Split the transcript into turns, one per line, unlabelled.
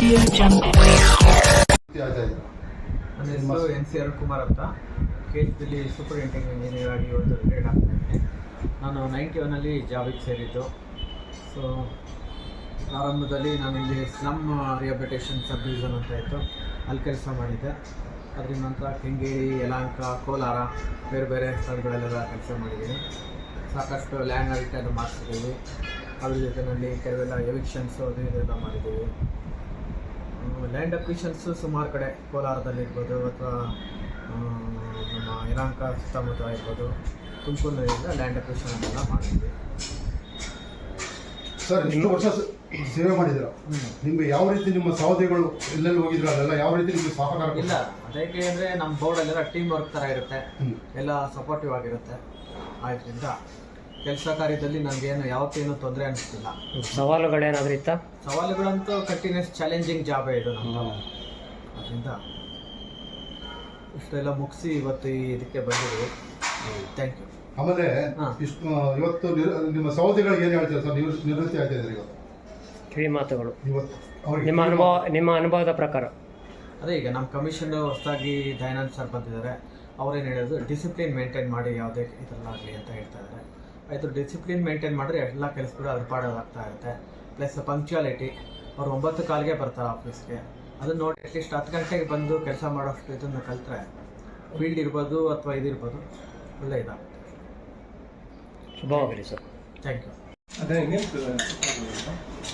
ನನ್ನ ಹೆಸರು NC ಕುಮಾರ್ ಅಂತ. KHPಯಲ್ಲಿ ಸೂಪರಿಂಟೆಂಡೆಂಟ್ ಇಂಜಿನಿಯರ್ ಆಗಿ ಇವತ್ತು ರಿಟೈರ್ಡ್ ಆಗ್ತಾ ಇದ್ದೀನಿ. ನಾನು 91ರಲ್ಲಿ ಜಾಬಿಗೆ ಸೇರಿದ್ದು. ಸೊ ಪ್ರಾರಂಭದಲ್ಲಿ ನಾನು ಇಲ್ಲಿ ಸ್ಲಮ್ ರಿಹ್ಯಾಬಿಲಿಟೇಷನ್ ಸಬ್ ಡಿವಿಷನ್ ಅಂತ ಇತ್ತು, ಅಲ್ಲಿ ಕೆಲಸ ಮಾಡಿದ್ದೆ. ಅದರ ನಂತರ ಕೆಂಗೇರಿ, ಯಲಹಂಕ, ಕೋಲಾರ ಬೇರೆ ಬೇರೆ ಸ್ಥಳಗಳಲ್ಲೆಲ್ಲ ಕೆಲಸ ಮಾಡಿದ್ದೀನಿ. ಸಾಕಷ್ಟು ಲ್ಯಾಂಡ್ ಆಡಿಟ್ ಮಾಡಿಸಿದ್ದೀವಿ. ಅದ್ರ ಜೊತೆಯಲ್ಲಿ ಕೆಲವೆಲ್ಲ ಎವಿಕ್ಷನ್ಸು ಅದು ಇದೆಲ್ಲ ಮಾಡಿದ್ದೀವಿ. ಲ್ಯಾಂಡ್ ಅಕ್ವಿಷನ್ಸು ಸುಮಾರು ಕಡೆ ಕೋಲಾರದಲ್ಲಿರ್ಬೋದು ಅಥವಾ ನಮ್ಮ ಯಲಹಂಕ ಸುತ್ತಮುತ್ತ ಇರ್ಬೋದು, ತುಮಕೂರಿನಿಂದ ಲ್ಯಾಂಡ್ ಅಕ್ವಿಷನ್ ಎಲ್ಲ ಮಾಡಿದ್ವಿ.
ಸರ್, ಇಷ್ಟು ವರ್ಷ ಸೇವೆ ಮಾಡಿದ್ದೀರಾ, ನಿಮಗೆ ಯಾವ ರೀತಿ ನಿಮ್ಮ ಸಹೋದರಿಗಳು ಎಲ್ಲೆಲ್ಲಿ ಹೋಗಿದ್ರು ಅಲ್ಲೆಲ್ಲ ಯಾವ ರೀತಿ ನಿಮಗೆ ಸಹಕಾರ?
ಇಲ್ಲ, ಅದಕ್ಕೆ ಅಂದರೆ ನಮ್ಮ ಬೋರ್ಡಲ್ಲೆಲ್ಲ ಟೀಮ್ ವರ್ಕ್ ಥರ ಇರುತ್ತೆ, ಎಲ್ಲ ಸಪೋರ್ಟಿವ್ ಆಗಿರುತ್ತೆ. ಆದ್ದರಿಂದ ಕೆಲಸ ಕಾರ್ಯದಲ್ಲಿ ನನಗೇನು ಯಾವತ್ತೇನು ತೊಂದರೆ ಅನಿಸ್ತಿಲ್ಲ.
ಸವಾಲುಗಳೇನಾದ್ರೂ ಇತ್ತಾ?
ಸವಾಲುಗಳಂತೂ ಕಂಟಿನ್ಯೂಸ್ ಚಾಲೆಂಜಿಂಗ್ ಜಾಬೇ ಇದು ನಮ್ಮದು. ಅದರಿಂದ ಇಷ್ಟೆಲ್ಲ ಮುಗಿಸಿ ಇವತ್ತು ಇದಕ್ಕೆ ಬಂದಿದ್ದೀವಿ. Thank you.
ಆಮೇಲೆ ಇಷ್ಟು ಇವತ್ತು ನಿಮ್ಮ ಸಹೋದರಿಗಳಿಗೆ ಏನು ಹೇಳ್ತೀರಾ ಸರ್? ನಿವೃತ್ತಿ ಆಗ್ತಾ ಇದ್ದಾರೆ ಇವತ್ತು,
ಕಿವಿ ಮಾತುಗಳು
ಇವತ್ತು
ನಿಮ್ಮ ಅನುಭವದ ಪ್ರಕಾರ?
ಅದೇ, ಈಗ ನಮ್ಮ ಕಮಿಷನ್ ಹೊಸದಾಗಿ ದಯಾನಂದ್ ಸರ್ ಬಂದಿದ್ದಾರೆ. ಅವ್ರೇನು ಹೇಳೋದು, ಡಿಸಿಪ್ಲಿನ್ ಮೇಂಟೈನ್ ಮಾಡಿ ಯಾವುದೇ ಇದರಲ್ಲಾಗಲಿ ಅಂತ ಹೇಳ್ತಾ ಇದ್ದಾರೆ. ಆಯಿತು, ಡಿಸಿಪ್ಲಿನ್ ಮೇಂಟೈನ್ ಮಾಡಿದ್ರೆ ಎಲ್ಲ ಕೆಲಸಗಳು ಅದ್ರ ಪಾಡೋದಾಗ್ತಾ ಇರುತ್ತೆ. ಪ್ಲಸ್ ಪಂಕ್ಚುಯಾಲಿಟಿ, ಅವ್ರು 9:15ಗೆ ಬರ್ತಾರೆ ಆಫೀಸ್ಗೆ. ಅದನ್ನು ನೋಡಿ ಅಟ್ಲೀಸ್ಟ್ 10 ಗಂಟೆಗೆ ಬಂದು ಕೆಲಸ ಮಾಡೋಷ್ಟು ಇದನ್ನು ಕಲಿತ್ರೆ ಫೀಲ್ಡ್ ಇರ್ಬೋದು ಅಥವಾ ಇದಿರ್ಬೋದು, ಒಳ್ಳೆ ಇದಾಗುತ್ತೆ.
ಶುಭವಾಗಲಿ ಸರ್.
Thank you.